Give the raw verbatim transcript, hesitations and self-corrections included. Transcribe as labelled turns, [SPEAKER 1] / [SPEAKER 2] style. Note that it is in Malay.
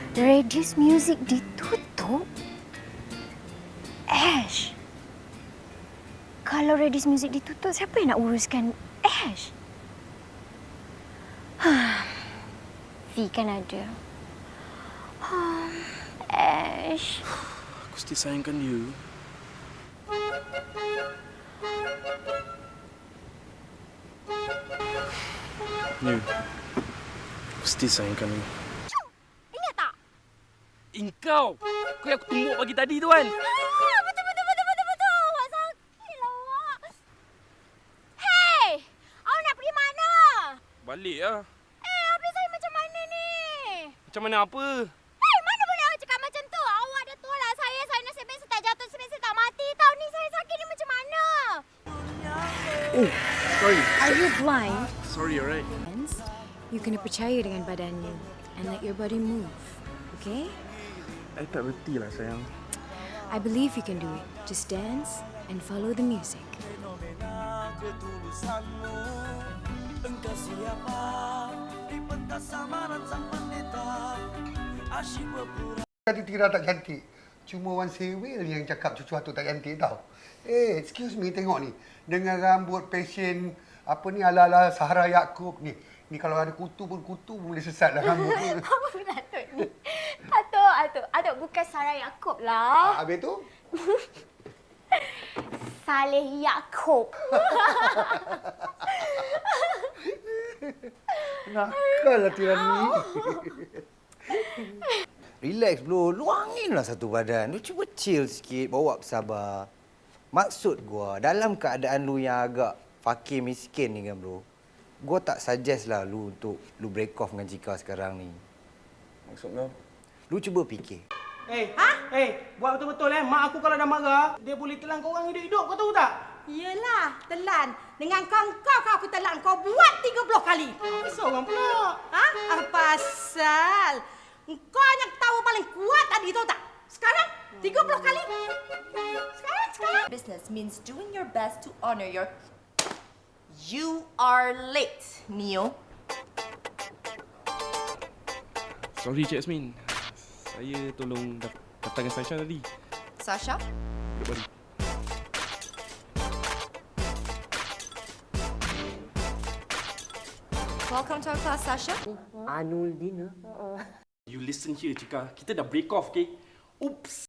[SPEAKER 1] Radius Music ditutup? Ash, kalau Radius Music ditutup, siapa yang nak uruskan Ash? V kan ada. Ash.
[SPEAKER 2] Aku still sayangkan dia. Ni, aku still sayangkan dia.
[SPEAKER 1] Ingat tak?
[SPEAKER 2] Engkau! Kau yang aku tumbuk pagi tadi tu kan?
[SPEAKER 1] Ah, betul, betul, betul, betul, betul. Awak sakit lah, awak. Hei! Awak nak pergi mana?
[SPEAKER 2] Balik lah.
[SPEAKER 1] Eh, habis saya macam mana ni?
[SPEAKER 2] Macam mana apa?
[SPEAKER 1] Hei, mana boleh awak cakap macam tu? Awak dah tolak saya. Saya nasib baik saya tak jatuh, nasib baik saya tak mati. Tahu ni saya sakit ni macam mana?
[SPEAKER 2] Oh, sorry.
[SPEAKER 3] Are you blind?
[SPEAKER 2] Sorry, alright.
[SPEAKER 3] You kena percaya dengan badanmu and let your body move, okay?
[SPEAKER 2] I tak reti lah, sayang.
[SPEAKER 3] I believe you can do it. Just dance and follow the music.
[SPEAKER 4] Kata Tira tak cantik. Cuma Wan Sewil yang cakap sesuatu tak cantik tau. Eh, excuse me, tengok ni. Dengan rambut passion, apa ni, ala-ala Sahara Yaakob ni. Ni kalau ada kutu pun, kutu pun boleh sesat dah rambut ni.
[SPEAKER 1] Apa pun Atuk ni? Atuk, Atuk. Atuk bukan Sarah Yaakob lah.
[SPEAKER 4] Ah, habis tu?
[SPEAKER 1] Saleh Yaakob.
[SPEAKER 4] Nakal lah Tira ni.
[SPEAKER 5] Relax bro, luanginlah satu badan. Lu cuba chill sikit, bawa bersabar. Maksud gua, dalam keadaan lu yang agak fakir miskin ni kan bro, gua tak suggest lah lu untuk lu break off dengan Cika sekarang ni.
[SPEAKER 2] Maksud kau?
[SPEAKER 5] Lu cuba fikir.
[SPEAKER 6] Eh, ha? Eh, buat betul-betul eh. Mak aku kalau dah marah, dia boleh telan kau orang hidup-hidup, kau tahu tak?
[SPEAKER 7] Yelah, telan. Dengan kau kau kau aku telan kau buat tiga puluh kali.
[SPEAKER 6] Apa orang pula?
[SPEAKER 7] Ha? Apa asal? Kau yang ketawa paling kuat tadi, tahu tak? Sekarang tiga puluh kali. Sekarang, sekarang.
[SPEAKER 8] Business means doing your best to honor your... You are late, Neo.
[SPEAKER 2] Sorry, Cik Yasmin. Saya tolong datangkan Sasha tadi.
[SPEAKER 8] Sasha?
[SPEAKER 2] Duduk balik.
[SPEAKER 8] Welcome to our class, Sasha.
[SPEAKER 6] Anul Dina.
[SPEAKER 2] You listen here, Cika. Kita dah break off, okay? Oops.